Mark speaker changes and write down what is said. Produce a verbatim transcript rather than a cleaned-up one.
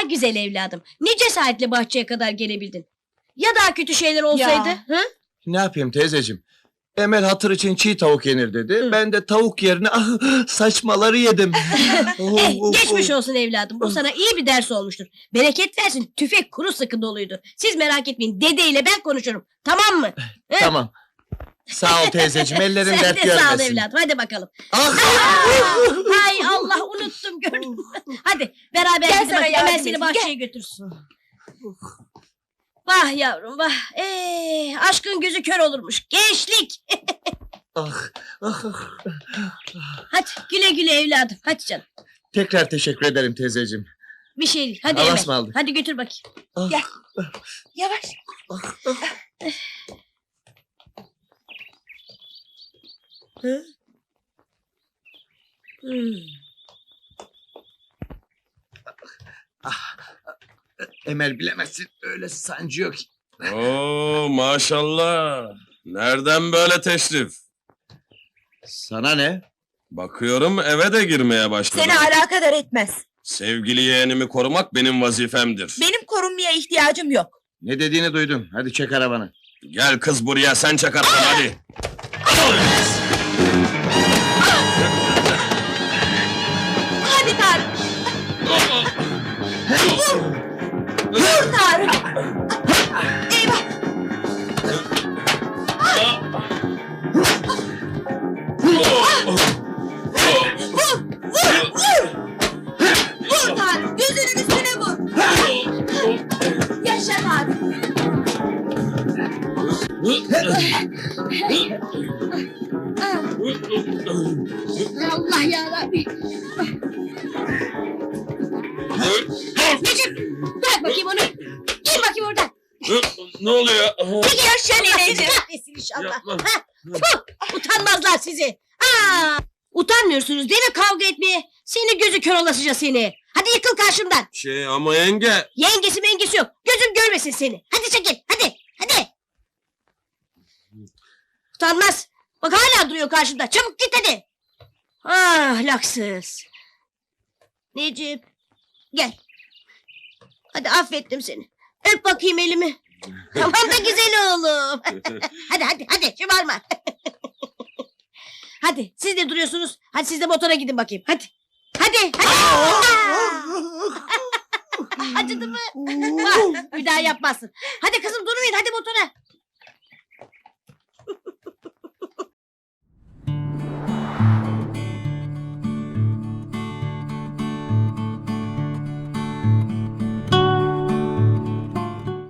Speaker 1: güzel evladım. Ne cesaretle bahçeye kadar gelebildin. Ya daha kötü şeyler olsaydı?
Speaker 2: Ya.
Speaker 1: Hı?
Speaker 3: Ne yapayım teyzeciğim? Emel hatır için çiğ tavuk yenir dedi.
Speaker 1: Hı.
Speaker 3: Ben de tavuk yerine ah, saçmaları yedim. Oh,
Speaker 1: Eh,
Speaker 3: oh,
Speaker 1: geçmiş
Speaker 3: oh.
Speaker 1: olsun evladım. Bu sana iyi bir ders olmuştur. Bereket versin. Tüfek kuru sıkı doluydu. Siz merak etmeyin. Dedeyle ben konuşurum. Tamam mı? Hı?
Speaker 3: Tamam. Sağ ol teyzeciğim. Ellerin
Speaker 1: Sen
Speaker 3: dert
Speaker 1: de sağ ol
Speaker 3: görmesin.
Speaker 1: evladım. Hadi bakalım.
Speaker 3: Ah!
Speaker 1: Aa, hay Allah, unuttum, gördün mü? Hadi beraber
Speaker 2: Gel
Speaker 1: gidin
Speaker 2: sana
Speaker 1: bakayım.
Speaker 2: yardım
Speaker 1: Hemen seni
Speaker 2: edeyim,
Speaker 1: bahçeye götürsün. Vah yavrum vah. Ee, aşkın gözü kör olurmuş. Gençlik.
Speaker 3: Ah, ah, ah.
Speaker 1: Hadi güle güle evladım. Hadi canım.
Speaker 3: Tekrar teşekkür ederim teyzeciğim.
Speaker 1: Bir şey değil. Hadi
Speaker 3: Allah'a
Speaker 1: Emel.
Speaker 3: ısmarladık.
Speaker 1: Hadi götür bakayım.
Speaker 3: Ah,
Speaker 2: Gel. Yavaş.
Speaker 1: Hmm.
Speaker 3: Emel bilemezsin. Öyle sancıyor ki.
Speaker 4: Oo maşallah. Nereden böyle teşrif?
Speaker 3: Sana ne?
Speaker 4: Bakıyorum eve de girmeye başladım.
Speaker 2: Seni alakadar etmez.
Speaker 4: Sevgili yeğenimi korumak benim vazifemdir.
Speaker 2: Benim korunmaya ihtiyacım yok.
Speaker 3: Ne dediğini duydum. Hadi çek arabanı.
Speaker 4: Gel kız buraya sen çakarsın hadi.
Speaker 2: Hadi Tarık. Vur Tarık. Eyvah. Vur. Vur. Vur. Vur Tarık. Gözünün üstüne vur. Yaşa Tarık.
Speaker 1: Allah yarabbim. Necip bırak bakayım onu. Gir bakayım oradan.
Speaker 4: Ne oluyor?
Speaker 2: Yaşa nineciğim.
Speaker 1: Kahretsin inşallah.
Speaker 4: Yapma.
Speaker 1: Ha, tüh, utanmazlar sizi. Aa, utanmıyorsunuz değil mi kavga etmeye? Seni gözü kör olasıca seni. Hadi yıkıl karşımdan.
Speaker 4: Şey ama yenge.
Speaker 1: Yengesi mengesi yok. Gözüm görmesin seni. Hadi çekil. Hadi. Hadi. Utanmaz. Bak hala duruyor karşımda. Çabuk git hadi. Ah laksız. Necip. Gel. Hadi affettim seni. Öp bakayım elimi. Tamam da güzel oğlum. Hadi hadi hadi şımarma. Hadi siz de duruyorsunuz. Hadi siz de motora gidin bakayım. Hadi. Hadi hadi. Acıdı mı? Bak, bir daha yapmazsın. Hadi kızım durmayın hadi motora.